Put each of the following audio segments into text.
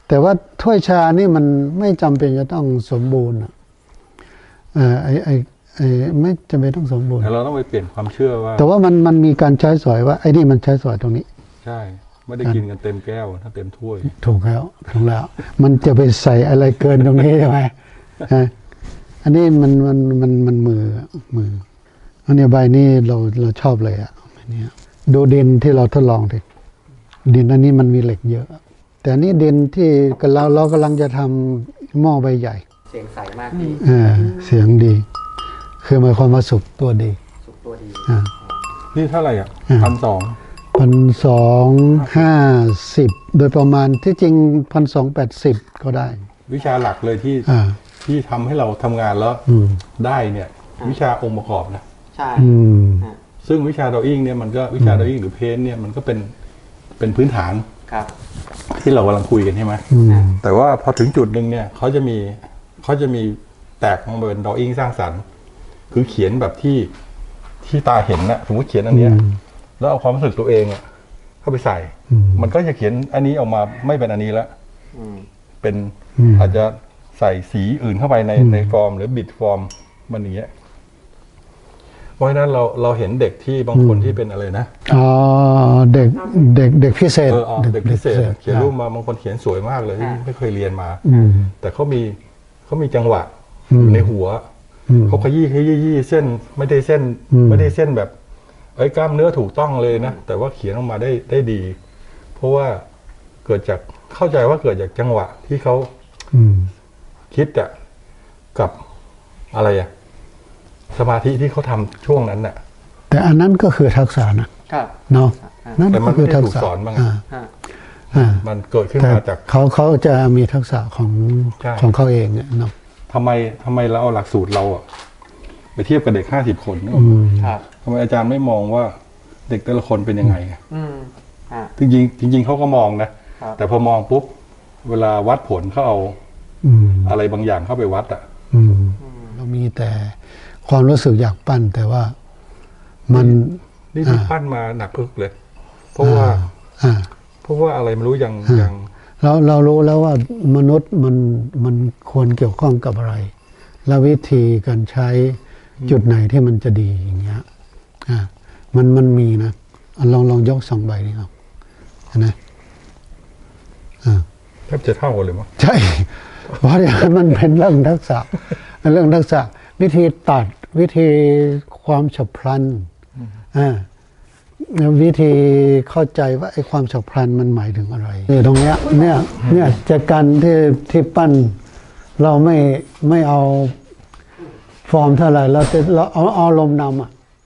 แต่ว่าถ้วยชานี่มันไม่จำเป็นจะต้องสมบูรณ์ไม่จำเป็นต้องสมบูรณ์แต่เราต้องไปเปลี่ยนความเชื่อว่าแต่ว่ามันมีการใช้สอยว่าไอ้นี่มันใช้สอยตรงนี้ใช่ไม่ได้กินกันเต็มแก้วถ้าเต็มถ้วยถูกแล้วมันจะไปใส่อะไรเกินตรงนี้ใช่ไหมอันนี้มันมืออันนี้ใบนี้เราชอบเลยเนี่ยดูดินที่เราทดลองดิดินอันนี้มันมีเหล็กเยอะแต่อันนี้ดินที่เรากำลังจะทำหม้อใบใหญ่เสียงใสมากดีเสียงดีคือหมายความว่าสุกตัวดีนี่เท่าไหร่ 1,250โดยประมาณที่จริง1,280ก็ได้วิชาหลักเลยที่ทำให้เราทำงานแล้วได้เนี่ยวิชาองค์ประกอบนะใช่ซึ่งวิชาดออิ่งเนี่ยมันก็วิชาดออิ่งหรือเพนเนี่ยมันก็เป็นพื้นฐานที่เรากำลังคุยกันใช่ไหมแต่ว่าพอถึงจุดหนึ่งเนี่ยเขาจะมีแตกออกมาเป็นดออิ่งสร้างสรรค์คือเขียนแบบที่ตาเห็นนะสมมติเขียนอันเนี้ยแล้วเอาความรู้สึกตัวเองเข้าไปใส่มันก็จะเขียนอันนี้ออกมาไม่เป็นอันนี้แล้วเป็นอาจจะใส่สีอื่นเข้าไปในฟอร์มหรือบิดฟอร์มมันอย่างเงี้ยเพราะฉะนั้นเราเห็นเด็กที่บางคนที่เป็นอะไรนะเด็กพิเศษเด็กพิเศษเขียนรูปมาบางคนเขียนสวยมากเลยที่ไม่เคยเรียนมาแต่เขามีจังหวะอยู่ในหัวเขาขยี้เส้นไม่ได้เส้นแบบกล้ามเนื้อถูกต้องเลยนะแต่ว่าเขียนออกมาได้ดี เพราะว่าเข้าใจว่าเกิดจากจังหวะที่เขาคิดกับอะไรสมาธิที่เขาทำช่วงนั้นน่ะแต่อันนั้นก็คือทักษะนะเนาะนั่นก็คือทักษะมันเกิดขึ้นมาจากเขาจะมีทักษะของเขาเองเนาะทำไมเราเอาหลักสูตรเราไปเทียบกับเด็ก50 คนทำไมอาจารย์ไม่มองว่าเด็กแต่ละคนเป็นยังไงจริงเขาก็มองนะแต่พอมองปุ๊บเวลาวัดผลเขาเอาอะไรบางอย่างเข้าไปวัดเรามีแต่ความรู้สึกอยากปั้นแต่ว่ามันนี่ที่ปั้นมาหนักพึกเลยเพราะว่าอะไรไม่รู้อย่างเรารู้แล้วว่ามนุษย์มันควรเกี่ยวข้องกับอะไรและวิธีการใช้จุดไหนที่มันจะดีอย่างเงี้ยมันมีนะลองยก2 ใบนี่ครับนะแทบจะเท่ากันเลยมั้งใช่เพราะมันเป็นเรื่องทักษะวิธีตัดวิธีความฉับพลันวิธีเข้าใจว่าไอ้ความฉับพลันมันหมายถึงอะไรตรงเนี้ยเนี่ยจากการที่ปั้นเราไม่เอาฟอร์มเท่าไหร่เราเอาลมนำ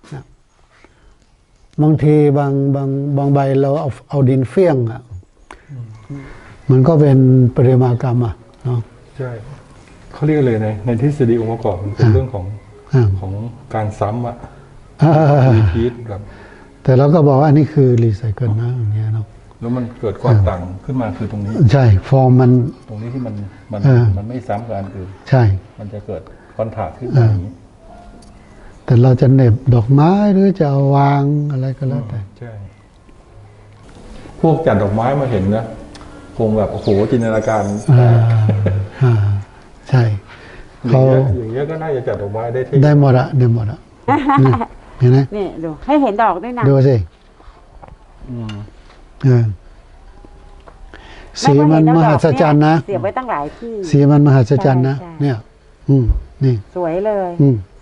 บางทีบางใบเราเอาดินเฟี้ยงมันก็เป็นประติมากรรมเนาะใช่เขาเรียกเลยในทฤษฎีองค์ประกอบมันเป็นเรื่องของการซ้ำรีพีทแบบแต่เราก็บอกว่าอันนี้คือรีไซเคิลนะอย่างเงี้ยเนาะแล้วมันเกิดความต่างขึ้นมาคือตรงนี้ใช่ฟอร์มมันตรงนี้ที่มันไม่ซ้ำกันอื่นใช่มันจะเกิดคอนทราสต์ขึ้นมาอย่างนี้แต่เราจะเหน็บดอกไม้หรือจะวางอะไรก็แล้วแต่ใช่พวกจัดดอกไม้มาเห็นนะคงแบบโอ้โหจินตนาการใช่เขาอย่างเงี้ยก็น่าจะจัดดอกไม้ได้หมดเห็นไหมนี่ดูให้เห็นดอกด้วยนะดูสิสีมันมหัศจรรย์นะเสียบไว้ตั้งหลายที่สีมันมหัศจรรย์นะเนี่ยนี่สวยเลย